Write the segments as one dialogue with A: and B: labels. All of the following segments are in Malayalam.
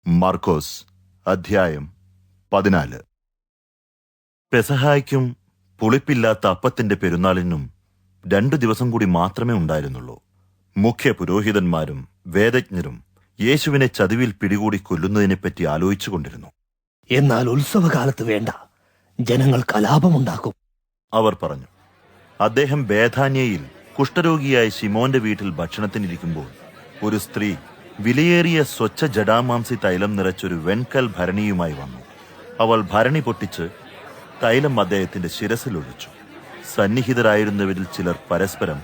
A: മർക്കോസ് അധ്യായം 14. പെസഹായ്ക്കും പുളിപ്പില്ലാത്ത അപ്പത്തിന്റെ പെരുന്നാളിനും 2 ദിവസം കൂടി മാത്രമേ ഉണ്ടായിരുന്നുള്ളൂ. മുഖ്യ പുരോഹിതന്മാരും വേദജ്ഞരും യേശുവിനെ ചതിവിൽ പിടികൂടി കൊല്ലുന്നതിനെപ്പറ്റി ആലോചിച്ചുകൊണ്ടിരുന്നു.
B: എന്നാൽ ഉത്സവകാലത്ത് വേണ്ട, ജനങ്ങൾ കലാപമുണ്ടാക്കും,
A: അവർ പറഞ്ഞു. അദ്ദേഹം ബേഥാന്യയിൽ കുഷ്ഠരോഗിയായ ശിമോന്റെ വീട്ടിൽ ഭക്ഷണത്തിനിരിക്കുമ്പോൾ ഒരു സ്ത്രീ വിലയേറിയ സ്വച്ഛ ജടാമാംസി തൈലം നിറച്ചൊരു വെൺകൽ ഭരണിയുമായി വന്നു. അവൾ ഭരണി പൊട്ടിച്ച് തൈലം അദ്ദേഹത്തിന്റെ ശിരസിലൊഴിച്ചു. സന്നിഹിതരായിരുന്നവരിൽ ചിലർ പരസ്പരം,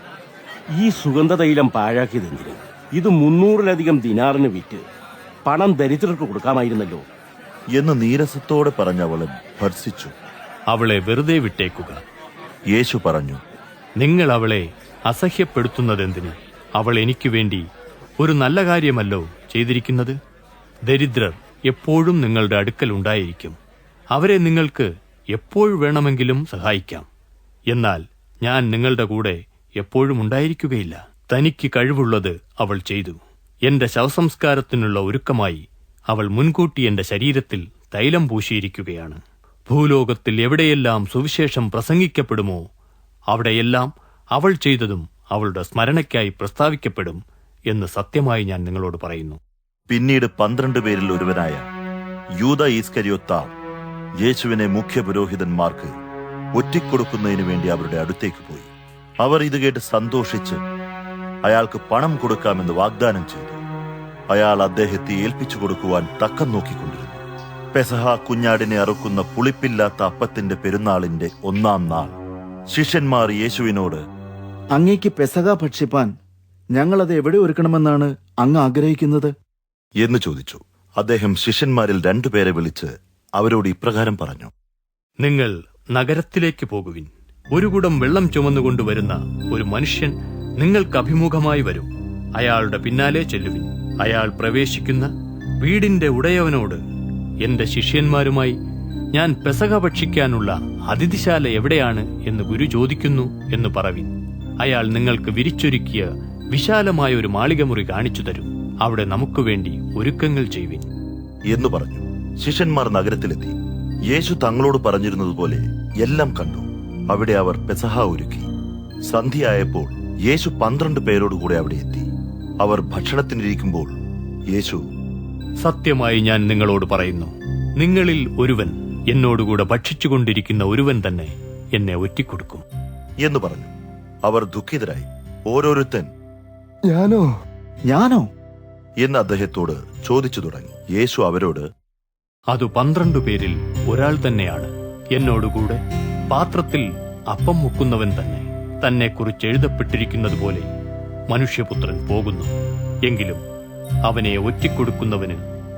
C: ഈ സുഗന്ധതൈലം പാഴാക്കിയതെന്തിന്? ഇത് 300-ലധികം ദിനാറിന് വിറ്റ് പണം ദരിദ്രർക്ക് കൊടുക്കാമായിരുന്നല്ലോ
A: എന്ന് നീരസത്തോടെ പറഞ്ഞ് അവളെ ഭർസിച്ചു.
D: അവളെ വെറുതെ വിട്ടേക്കുക.
A: യേശു പറഞ്ഞു,
D: നിങ്ങൾ അവളെ അസഹ്യപ്പെടുത്തുന്നതെന്തിന്? അവൾ എനിക്ക് വേണ്ടി ഒരു നല്ല കാര്യമല്ലോ ചെയ്തിരിക്കുന്നത്. ദരിദ്രർ എപ്പോഴും നിങ്ങളുടെ അടുക്കൽ ഉണ്ടായിരിക്കും. അവരെ നിങ്ങൾക്ക് എപ്പോൾ വേണമെങ്കിലും സഹായിക്കാം. എന്നാൽ ഞാൻ നിങ്ങളുടെ കൂടെ എപ്പോഴും ഉണ്ടായിരിക്കുകയില്ല. തനിക്ക് കഴിവുള്ളത് അവൾ ചെയ്തു. എന്റെ ശവസംസ്കാരത്തിനുള്ള ഒരുക്കമായി അവൾ മുൻകൂട്ടി എന്റെ ശരീരത്തിൽ തൈലം പൂശിയിരിക്കുകയാണ്. ഭൂലോകത്തിൽ എവിടെയെല്ലാം സുവിശേഷം പ്രസംഗിക്കപ്പെടുമോ അവിടെയെല്ലാം അവൾ ചെയ്തതും അവളുടെ സ്മരണയ്ക്കായി പ്രസ്താവിക്കപ്പെടും എന്ന് സത്യമായി ഞാൻ നിങ്ങളോട് പറയുന്നു.
A: പിന്നീട് 12 പേരിൽ ഒരുവനായ യൂദാ ഈസ്കരിയോത്താ യേശുവിനെ മുഖ്യ പുരോഹിതന്മാർക്ക് ഒറ്റിക്കൊടുക്കുന്നതിനു വേണ്ടി അവരുടെ അടുത്തേക്ക് പോയി. അവർ ഇത് കേട്ട് സന്തോഷിച്ച് അയാൾക്ക് പണം കൊടുക്കാമെന്ന് വാഗ്ദാനം ചെയ്തു. അയാൾ അദ്ദേഹത്തെ ഏൽപ്പിച്ചു കൊടുക്കുവാൻ തക്കം നോക്കിക്കൊണ്ടിരുന്നു. പെസഹ കുഞ്ഞാടിനെ അറുക്കുന്ന പുളിപ്പില്ലാത്ത അപ്പത്തിന്റെ പെരുന്നാളിന്റെ 1-ാം നാൾ ശിഷ്യന്മാർ യേശുവിനോട്,
E: അങ്ങേക്ക് പെസഹ ഭക്ഷിപ്പാൻ ഞങ്ങളത് എവിടെ ഒരുക്കണമെന്നാണ് അങ്ങ് ആഗ്രഹിക്കുന്നത്
A: എന്ന് ചോദിച്ചു. അദ്ദേഹം ശിഷ്യന്മാരിൽ 2 പേരെ വിളിച്ച് അവരോട് ഇപ്രകാരം പറഞ്ഞു.
D: നിങ്ങൾ നഗരത്തിലേക്ക് പോകുവിൻ. ഒരു കുടം വെള്ളം ചുമന്നുകൊണ്ടുവരുന്ന ഒരു മനുഷ്യൻ നിങ്ങൾക്ക് അഭിമുഖമായി വരും. അയാളുടെ പിന്നാലെ ചെല്ലുവിൻ. അയാൾ പ്രവേശിക്കുന്ന വീടിന്റെ ഉടയവനോട്, എന്റെ ശിഷ്യന്മാരുമായി ഞാൻ പെസഹ ഭക്ഷിക്കാനുള്ള അതിഥിശാല എവിടെയാണ് എന്ന് ഗുരു ചോദിക്കുന്നു എന്ന് പറവിൻ. അയാൾ നിങ്ങൾക്ക് വിരിച്ചൊരുക്കിയ വിശാലമായ ഒരു മാളികമുറി കാണിച്ചു തരും. അവിടെ നമുക്ക് വേണ്ടി ഒരുക്കങ്ങൾ ചെയ്യുവിൻ
A: എന്ന് പറഞ്ഞു. ശിഷ്യന്മാർ നഗരത്തിലെത്തി. യേശു തങ്ങളോട് പറഞ്ഞിരുന്നതുപോലെ എല്ലാം കണ്ടു. അവിടെ അവർ പെസഹ ഒരുക്കി. സന്ധ്യയായപ്പോൾ യേശു 12 പേരോടുകൂടെ അവിടെ എത്തി. അവർ ഭക്ഷണത്തിനിരിക്കുമ്പോൾ യേശു,
D: സത്യമായി ഞാൻ നിങ്ങളോട് പറയുന്നു, നിങ്ങളിൽ ഒരുവൻ, എന്നോടുകൂടെ ഭക്ഷിച്ചുകൊണ്ടിരിക്കുന്ന ഒരുവൻ തന്നെ എന്നെ ഒറ്റിക്കൊടുക്കും
A: എന്ന് പറഞ്ഞു. അവർ ദുഃഖിതരായി. ഓരോരുത്തൻ,
E: ഞാനോ
A: എന്ന് അദ്ദേഹത്തോട് ചോദിച്ചു തുടങ്ങി. യേശു അവരോട്,
D: അത് 12 പേരിൽ ഒരാൾ തന്നെയാണ്. എന്നോടുകൂടെ പാത്രത്തിൽ അപ്പം മുക്കുന്നവൻ തന്നെ. തന്നെക്കുറിച്ച് എഴുതപ്പെട്ടിരിക്കുന്നതുപോലെ മനുഷ്യപുത്രൻ പോകുന്നു. എങ്കിലും അവനെ ഒറ്റിക്കൊടുക്കുന്നവന്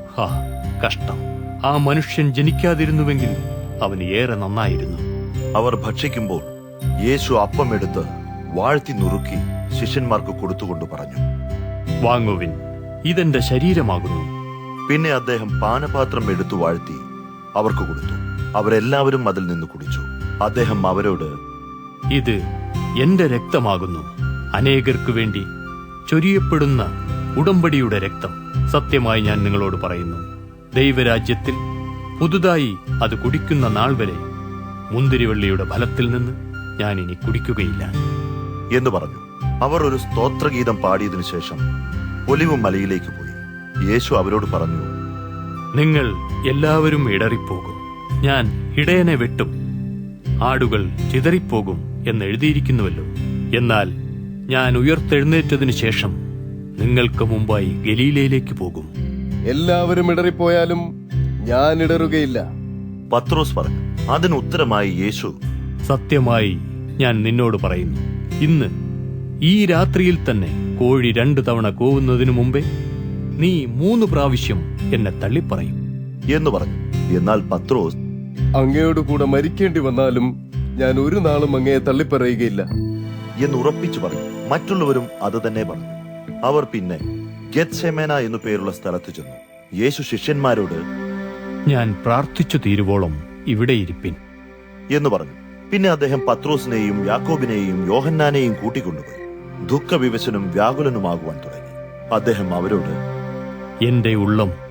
D: കഷ്ടം. ആ മനുഷ്യൻ ജനിക്കാതിരുന്നുവെങ്കിൽ അവന് ഏറെ നന്നായിരുന്നു.
A: അവർ ഭക്ഷിക്കുമ്പോൾ യേശു അപ്പം എടുത്ത് വാഴ്ത്തി നുറുക്കി ശിഷ്യന്മാർക്ക് കൊടുത്തുകൊണ്ട് പറഞ്ഞു,
D: വാങ്ങുവിൻ, ഇതെന്റെ ശരീരമാകുന്നു.
A: പിന്നെ അദ്ദേഹം പാനപാത്രം എടുത്തു വാഴ്ത്തി അവർക്ക് കൊടുത്തു. അവരെല്ലാവരും അതിൽ നിന്ന് കുടിച്ചു. അദ്ദേഹം അവരോട്,
D: ഇത് എന്റെ രക്തമാകുന്നു, അനേകർക്കു വേണ്ടി ചൊരിയപ്പെടുന്ന ഉടമ്പടിയുടെ രക്തം. സത്യമായി ഞാൻ നിങ്ങളോട് പറയുന്നു, ദൈവരാജ്യത്തിൽ പുതുതായി അത് കുടിക്കുന്ന നാൾ വരെ മുന്തിരിവള്ളിയുടെ ഫലത്തിൽ നിന്ന് ഞാൻ ഇനി കുടിക്കുകയില്ല
A: എന്ന് പറഞ്ഞു. അവർ ഒരു സ്തോത്രഗീതം പാടിയതിനു ശേഷം ഒലിവ് മലയിലേക്ക് പോയി. യേശു അവരോട് പറഞ്ഞു,
D: നിങ്ങൾ എല്ലാവരും ഇടറിപ്പോകും. ഞാൻ ഇടയനെ വെട്ടും, ആടുകൾ ചിതറിപ്പോകും എന്ന് എഴുതിയിരിക്കുന്നുവല്ലോ. എന്നാൽ ഞാൻ ഉയർത്തെഴുന്നേറ്റതിനു ശേഷം നിങ്ങൾക്ക് മുമ്പായി ഗലീലയിലേക്ക് പോകും.
F: എല്ലാവരും ഇടറിപ്പോയാലും ഞാൻ ഇടറുകയില്ല.
A: പത്രോസ് പറഞ്ഞു. അതിന് ഉത്തരമായി യേശു,
D: സത്യമായി ഞാൻ നിന്നോട് പറയുന്നു, ഇന്ന് ഈ രാത്രിയിൽ തന്നെ കോഴി 2 തവണ കൂവുന്നതിനു മുമ്പേ നീ 3 പ്രാവശ്യം എന്നെ തള്ളിപ്പറയും
A: എന്ന് പറഞ്ഞു. എന്നാൽ പത്രോസ്,
F: അങ്ങയോട് കൂടെ മരിക്കേണ്ടി വന്നാലും ഞാൻ ഒരു നാളും അങ്ങയെ തള്ളിപ്പറയുകയില്ല
A: എന്ന് ഉറപ്പിച്ചു പറഞ്ഞു. മറ്റുള്ളവരും അത് തന്നെ പറഞ്ഞു. അവർ പിന്നെ ഗെത്സെമന എന്നു പേരുള്ള സ്ഥലത്ത് ചെന്നു. യേശു ശിഷ്യന്മാരോട്,
D: ഞാൻ പ്രാർത്ഥിച്ചു തീരുവോളം ഇവിടെ ഇരിപ്പിൻ
A: എന്ന് പറഞ്ഞു. പിന്നെ അദ്ദേഹം പത്രോസിനെയും യാക്കോബിനെയും യോഹന്നാനെയും കൂട്ടിക്കൊണ്ടുപോയി. ദുഃഖവിവശനും വ്യാകുലനുമാകുവാൻ തുടങ്ങി. അദ്ദേഹം അവരോട്,
D: എന്റെ ഉള്ളം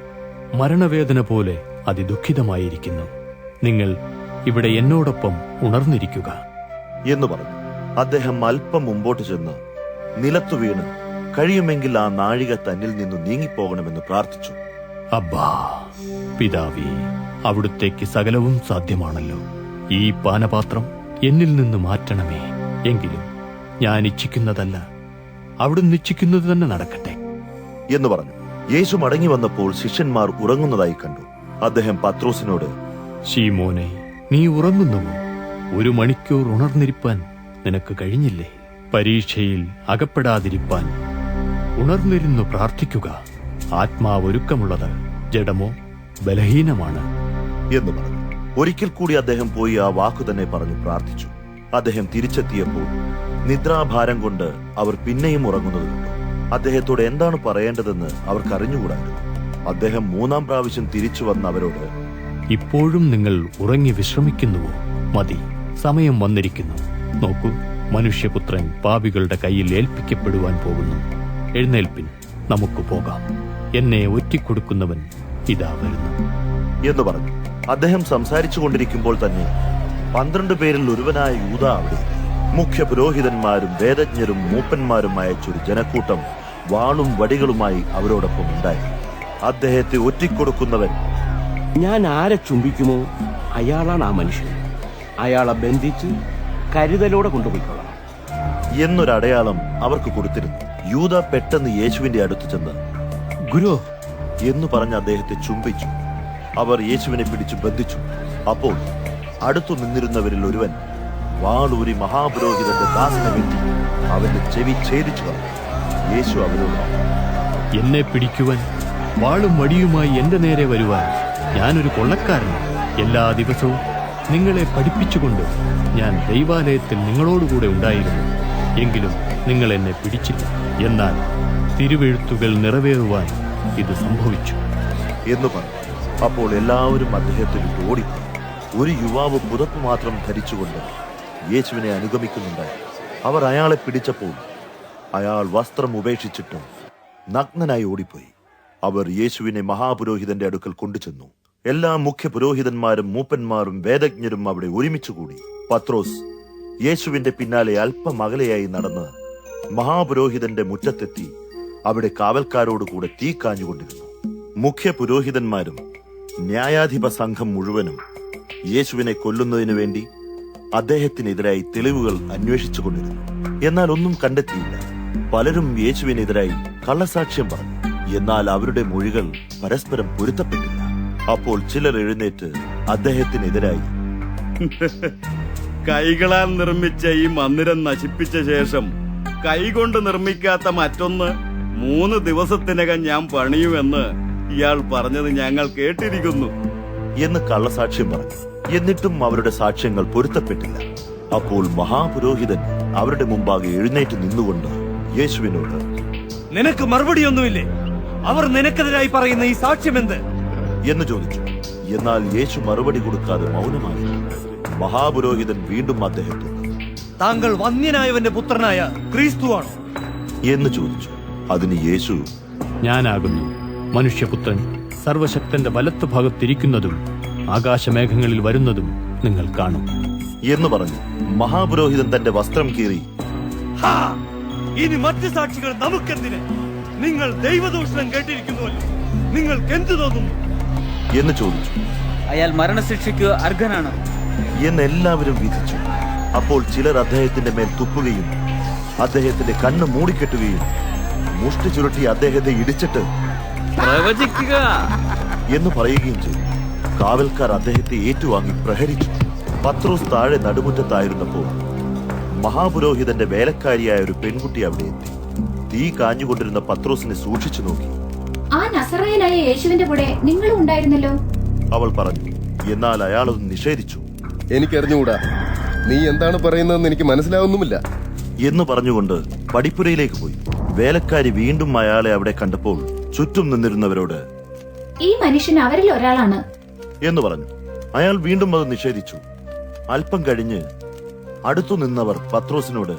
D: മരണവേദന പോലെ അതിദുഃഖിതമായിരിക്കുന്നു. നിങ്ങൾ ഇവിടെ എന്നോടൊപ്പം ഉണർന്നിരിക്കുക
A: എന്ന് പറഞ്ഞു. അദ്ദേഹം അല്പം മുമ്പോട്ട് ചെന്ന് നിലത്തു വീണ് കഴിയുമെങ്കിൽ ആ നാഴിക തന്നിൽ നിന്നു നീങ്ങിപ്പോകണമെന്ന് പ്രാർത്ഥിച്ചു.
D: അബ്ബാ, പിതാവേ, അവിടുത്തേക്ക് സകലവും സാധ്യമാണല്ലോ. ഈ പാനപാത്രം എന്നിൽ നിന്ന് മാറ്റണമേ. എങ്കിലും ഞാൻ ഇച്ഛിക്കുന്നതല്ല, അവിടുന്ന് ഇച്ഛിക്കുന്നത് തന്നെ നടക്കട്ടെ
A: എന്ന് പറഞ്ഞു. യേശു മടങ്ങി വന്നപ്പോൾ ശിഷ്യന്മാർ ഉറങ്ങുന്നതായി കണ്ടു. അദ്ദേഹം പത്രോസിനോട്,
D: ശീമോനെ, നീ ഉറങ്ങുന്നുവോ? 1 മണിക്കൂർ ഉണർന്നിരിപ്പാൻ നിനക്ക് കഴിഞ്ഞില്ലേ? പരീക്ഷയിൽ അകപ്പെടാതിരിപ്പാൻ ഉണർന്നിരുന്നു പ്രാർത്ഥിക്കുക. ആത്മാവ് ഒരുക്കമുള്ളത്, ജഡമോ ബലഹീനമാണ്
A: എന്ന് പറഞ്ഞു. ഒരിക്കൽ കൂടി അദ്ദേഹം പോയി ആ വാക്കു തന്നെ പറഞ്ഞു പ്രാർത്ഥിച്ചു. അദ്ദേഹം തിരിച്ചെത്തിയപ്പോൾ നിദ്രാഭാരം കൊണ്ട് അവർ പിന്നെയും ഉറങ്ങുന്നത് കണ്ടു. അദ്ദേഹത്തോട് എന്താണ് പറയേണ്ടതെന്ന് അവർക്ക് അറിഞ്ഞുകൂടായിരുന്നു. അദ്ദേഹം 3-ാം പ്രാവശ്യം തിരിച്ചു വന്ന് അവരോട്,
D: ഇപ്പോഴും നിങ്ങൾ ഉറങ്ങി വിശ്രമിക്കുന്നുവോ? മതി, സമയം വന്നിരിക്കുന്നു. നോക്കൂ, മനുഷ്യപുത്രൻ പാപികളുടെ കയ്യിൽ ഏൽപ്പിക്കപ്പെടുവാൻ പോകുന്നു. എഴുന്നേൽപ്പിൻ, നമുക്ക് പോകാം. എന്നെ ഒറ്റിക്കൊടുക്കുന്നവൻ ഇതാ വരുന്നു
A: എന്ന് പറഞ്ഞു. അദ്ദേഹം സംസാരിച്ചു കൊണ്ടിരിക്കുമ്പോൾ തന്നെ 12 പേരിൽ ഒരുവനായ യൂദ അവിടെ. മുഖ്യ പുരോഹിതന്മാരും വേദജ്ഞരും മൂപ്പന്മാരും അയച്ചൊരു ജനക്കൂട്ടം വാളും വടികളുമായി അവരോടൊപ്പം ഉണ്ടായി. അദ്ദേഹത്തെ ഒറ്റിക്കൊടുക്കുന്നവൻ
C: ഞാൻ ആരെ ചുംബിക്കുമോ അയാളാണ് ആ മനുഷ്യൻ. അയാളെ ബന്ധിച്ച് കരുതലോടെ കൊണ്ടുപോയിക്കൊള്ളാം
A: എന്നൊരടയാളം അവർക്ക് കൊടുത്തിരുന്നു. യൂദ പെട്ടെന്ന് യേശുവിന്റെ അടുത്ത് ചെന്ന്,
C: ഗുരു
A: എന്ന് പറഞ്ഞ് അദ്ദേഹത്തെ ചുംബിച്ചു. അവർ യേശുവിനെ പിടിച്ചു ബന്ധിച്ചു. അപ്പോൾ അടുത്തു നിന്നിരുന്നവരിൽ ഒരുവൻ വാളൂരി മഹാപുരോഹിതന്റെ ദാസനെ വെട്ടി അവന്റെ ചെവി ഛേദിച്ചു കളഞ്ഞു. യേശു അവരോട്,
D: എന്നെ പിടിക്കുവാൻ വാളും വടിയുമായി എന്റെ നേരെ വരുവാൻ ഞാനൊരു കൊള്ളക്കാരനാണ്. എല്ലാ ദിവസവും നിങ്ങളെ പഠിപ്പിച്ചുകൊണ്ട് ഞാൻ ദൈവാലയത്തിൽ നിങ്ങളോടുകൂടെ ഉണ്ടായിരുന്നു. എങ്കിലും നിങ്ങൾ എന്നെ പിടിച്ചില്ല. എന്നാൽ തിരുവെഴുത്തുകൾ നിറവേറുവാൻ ഇത് സംഭവിച്ചു
A: എന്ന് പറഞ്ഞു. അപ്പോൾ എല്ലാവരും അദ്ദേഹത്തെ വിട്ട് ഓടിപ്പോയി. ഒരു യുവാവ് പുതപ്പ് മാത്രം ധരിച്ചുകൊണ്ട് യേശുവിനെ അനുഗമിക്കുന്നുണ്ടായി. അവർ അയാളെ പിടിച്ചപ്പോൾ അയാൾ വസ്ത്രം ഉപേക്ഷിച്ചിട്ട് നഗ്നനായി ഓടിപ്പോയി. അവർ യേശുവിനെ മഹാപുരോഹിതന്റെ അടുക്കൽ കൊണ്ടുചെന്നു. എല്ലാ മുഖ്യ പുരോഹിതന്മാരും മൂപ്പന്മാരും വേദജ്ഞരും അവിടെ ഒരുമിച്ചുകൂടി. പത്രോസ് യേശുവിന്റെ പിന്നാലെ അല്പം അകലെയായി നടന്ന് മഹാപുരോഹിതന്റെ മുറ്റത്തെത്തി അവിടെ കാവൽക്കാരോടുകൂടെ തീ കാഞ്ഞുകൊണ്ടിരുന്നു. മുഖ്യ പുരോഹിതന്മാരും ന്യായാധിപ സംഘം മുഴുവനും യേശുവിനെ കൊല്ലുന്നതിനു വേണ്ടി അദ്ദേഹത്തിനെതിരായി തെളിവുകൾ അന്വേഷിച്ചുകൊണ്ടിരുന്നു. എന്നാൽ ഒന്നും കണ്ടെത്തിയില്ല. പലരും യേശുവിനെതിരായി കള്ളസാക്ഷ്യം പറഞ്ഞു. എന്നാൽ അവരുടെ മൊഴികൾ പരസ്പരം പൊരുത്തപ്പെട്ടില്ല. അപ്പോൾ ചിലർ എഴുന്നേറ്റ് അദ്ദേഹത്തിനെതിരായി,
G: കൈകളാൽ നിർമ്മിച്ച ഈ മന്ദിരം നശിപ്പിച്ച ശേഷം കൈകൊണ്ട് നിർമ്മിക്കാത്ത മറ്റൊന്ന് 3 ദിവസത്തിനകം ഞാൻ പണിയുമെന്ന് ഇയാൾ പറഞ്ഞത് ഞങ്ങൾ കേട്ടിരിക്കുന്നു
A: എന്ന് കള്ളസാക്ഷ്യം പറഞ്ഞു. എന്നിട്ടും അവരുടെ സാക്ഷ്യങ്ങൾ പൊരുത്തപ്പെട്ടില്ല. അപ്പോൾ മഹാപുരോഹിതൻ അവരുടെ മുമ്പാകെ എഴുന്നേറ്റ് നിന്നുകൊണ്ട് യേശുവിനോട്,
B: നിനക്ക് മറുപടിയൊന്നുമില്ലേ? അവർ നിനക്കെതിരായി പറയുന്ന ഈ സാക്ഷ്യം എന്ത്
A: എന്ന് ചോദിച്ചു. എന്നാൽ യേശു മറുപടി കൊടുക്കാതെ മൗനമായി. മഹാപുരോഹിതൻ വീണ്ടും അദ്ദേഹത്തോട്,
B: താങ്കൾ വന്യനായവന്റെ പുത്രനായ ക്രിസ്തുവാണോ
A: എന്ന് ചോദിച്ചു. അതിന് യേശു,
D: ഞാനാകുന്നു. മനുഷ്യപുത്രൻ സർവശക്തന്റെ വലത്ത് ഭാഗത്തിരിക്കുന്നതും ആകാശമേഘങ്ങളിൽ വരുന്നതും നിങ്ങൾ കാണും
A: എന്ന് പറഞ്ഞു. മഹാപുരോഹിതൻ തന്റെ വസ്ത്രം കീറി,
B: ഇനി മറ്റ് സാക്ഷികൾ നമുക്കെന്തിന്? നിങ്ങൾ ദൈവദൂഷണം കേട്ടിരിക്കുന്നുവല്ലോ, നിങ്ങൾക്ക് എന്തു തോന്നുന്നു
A: എന്ന് ചോദിച്ചു.
H: അയാൾ മരണശിക്ഷയ്ക്ക് അർഹനാണ്
A: എന്ന് എല്ലാവരും വിധിച്ചു. അപ്പോൾ ചിലർ അദ്ദേഹത്തിന്റെ മേൽ തുപ്പുകയും അദ്ദേഹത്തിന്റെ കണ്ണ് മൂടിക്കെട്ടുകയും മുഷ്ടി ചുരുട്ടി അദ്ദേഹത്തെ ഇടിച്ചിട്ട്
H: പ്രവചിക്കുക
A: എന്ന് പറയുകയും ചെയ്തു. കാവൽക്കാർ അദ്ദേഹത്തെ ഏറ്റുവാങ്ങി പ്രഹരിച്ചു. പത്രോസ് താഴെ നടുമുറ്റത്തായിരുന്നപ്പോൾ മഹാപുരോഹിതന്റെ വേലക്കാരിയായ ഒരു പെൺകുട്ടി അവിടെ എത്തി. തീ കാഞ്ഞുകൊണ്ടിരുന്ന പത്രോസിനെ സൂക്ഷിച്ചു നോക്കി.
I: ആ നസറായനായ യേശുവിന്റെ കൂടെ നിങ്ങളും ഉണ്ടായിരുന്നല്ലോ
A: അവൾ പറഞ്ഞു. എന്നാൽ അയാൾ അത് നിഷേധിച്ചു.
F: എനിക്കറിഞ്ഞുകൂടാ, നീ എന്താണ് പറയുന്നതെന്ന് എനിക്ക് മനസ്സിലാവുന്നുമില്ല
A: എന്ന് പറഞ്ഞുകൊണ്ട് പടിപ്പുരയിലേക്ക് പോയി. വേലക്കാരി വീണ്ടും അയാളെ അവിടെ കണ്ടപ്പോൾ ചുറ്റും നിന്നിരുന്നവരോട്,
I: ഈ മനുഷ്യൻ അവരിൽ ഒരാളാണ്
A: എന്ന് പറഞ്ഞു. അയാൾ വീണ്ടും അത് നിഷേധിച്ചു. അല്പം കഴിഞ്ഞ് അടുത്തു നിന്നവർ പത്രോസിനോട്,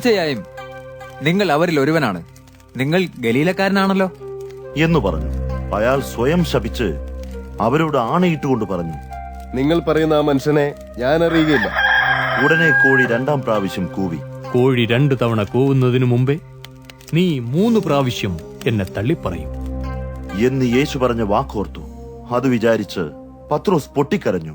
J: തീർച്ചയായും നിങ്ങൾ അവരിൽ ഒരുവനാണ്. നിങ്ങൾ ഗലീലക്കാരനാണല്ലോ
A: എന്ന് പറഞ്ഞു. അയാൾ സ്വയം ശപിച്ച് അവരോട് ആണയിട്ടുകൊണ്ട് പറഞ്ഞു,
F: നിങ്ങൾ പറയുന്ന ആ മനുഷ്യനെ ഞാൻ അറിയുകയില്ല.
A: ഉടനെ കോഴി 2-ാം പ്രാവശ്യം കൂവി.
D: കോഴി 2 തവണ കൂവുന്നതിനു മുമ്പേ നീ 3 പ്രാവശ്യം എന്നെ തള്ളിപ്പറയും.
A: എന്ന് യേശു പറഞ്ഞ വാക്കോർത്തു. അത് വിചാരിച്ച് പത്രോസ് പൊട്ടിക്കരഞ്ഞു.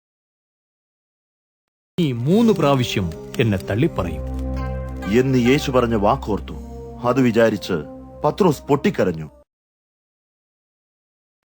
D: നീ 3 പ്രാവശ്യം എന്നെ തള്ളിപ്പറയും.
A: എന്ന് യേശു പറഞ്ഞ വാക്കോർത്തു. അത് വിചാരിച്ച് പത്രോസ് പൊട്ടിക്കരഞ്ഞു.